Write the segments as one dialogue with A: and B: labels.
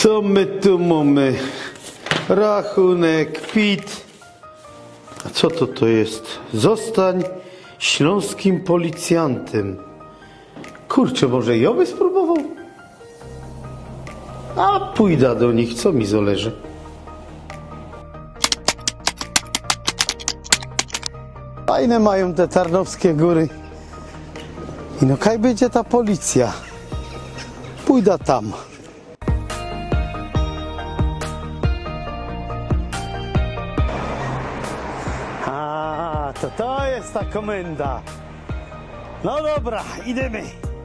A: Co my tu mamy? Rachunek, PIT. A co to jest? Zostań śląskim policjantem. Kurczę, może ja by spróbował? A pójdę do nich, co mi zależy. Fajne mają te Tarnowskie Góry. I no kaj będzie ta policja. Pójdę tam. A, to jest ta komenda. No dobra, idziemy.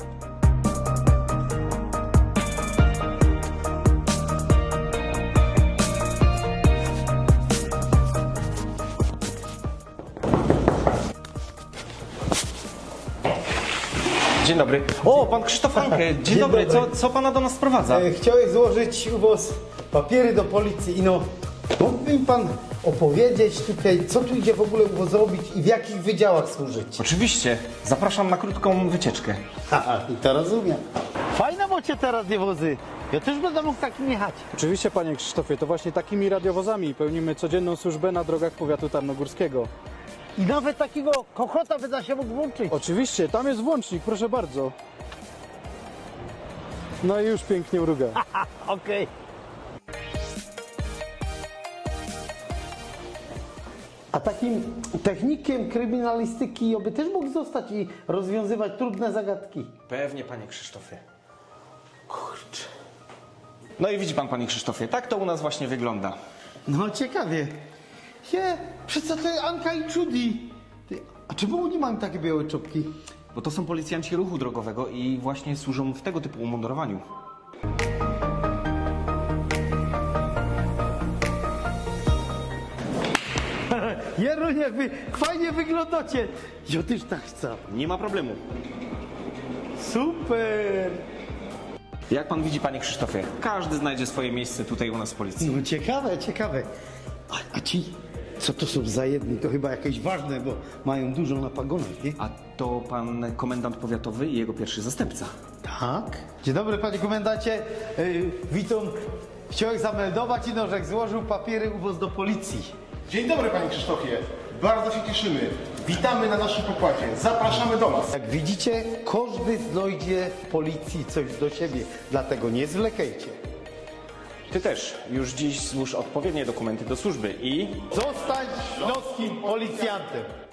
B: Dzień dobry. O, pan Krzysztof Anke. Dzień dobry. Co pana do nas sprowadza?
A: Chciałeś złożyć u was papiery do policji i no, mógłby mi pan opowiedzieć tutaj, co tu idzie w ogóle u was robić i w jakich wydziałach służyć?
B: Oczywiście. Zapraszam na krótką wycieczkę.
A: Haha, i to rozumiem. Fajne macie te radiowozy. Ja też będę mógł takim jechać.
C: Oczywiście, panie Krzysztofie, to właśnie takimi radiowozami pełnimy codzienną służbę na drogach powiatu tarnogórskiego.
A: I nawet takiego kochota by da się mógł włączyć.
C: Oczywiście, tam jest włącznik, proszę bardzo. No i już pięknie mruga.
A: Okej. A takim technikiem kryminalistyki by też mógł zostać i rozwiązywać trudne zagadki.
B: Pewnie, panie Krzysztofie. Kurczę. No i widzi pan, panie Krzysztofie, tak to u nas właśnie wygląda.
A: No ciekawie. Przecież to jest Anka i Judy. A czemu oni mają takie białe czopki?
B: Bo to są policjanci ruchu drogowego i właśnie służą w tego typu umundurowaniu.
A: Jeroń, jakby fajnie wyglądacie. Ja też tak chcę.
B: Nie ma problemu.
A: Super.
B: Jak pan widzi, panie Krzysztofie, każdy znajdzie swoje miejsce tutaj u nas w policji.
A: No ciekawe, ciekawe. A ci, co to są za jedni? To chyba jakieś ważne, bo mają dużo na pagonach, nie?
B: A to pan komendant powiatowy i jego pierwszy zastępca.
A: Tak. Dzień dobry, panie komendancie. Witam. Chciałem zameldować, że złożył papiery u was do policji.
D: Dzień dobry, panie Krzysztofie. Bardzo się cieszymy. Witamy na naszym pokładzie. Zapraszamy do nas.
A: Jak widzicie, każdy znajdzie w policji coś do siebie, dlatego nie zwlekajcie.
B: Ty też już dziś złóż odpowiednie dokumenty do służby i...
A: Zostań śląskim policjantem.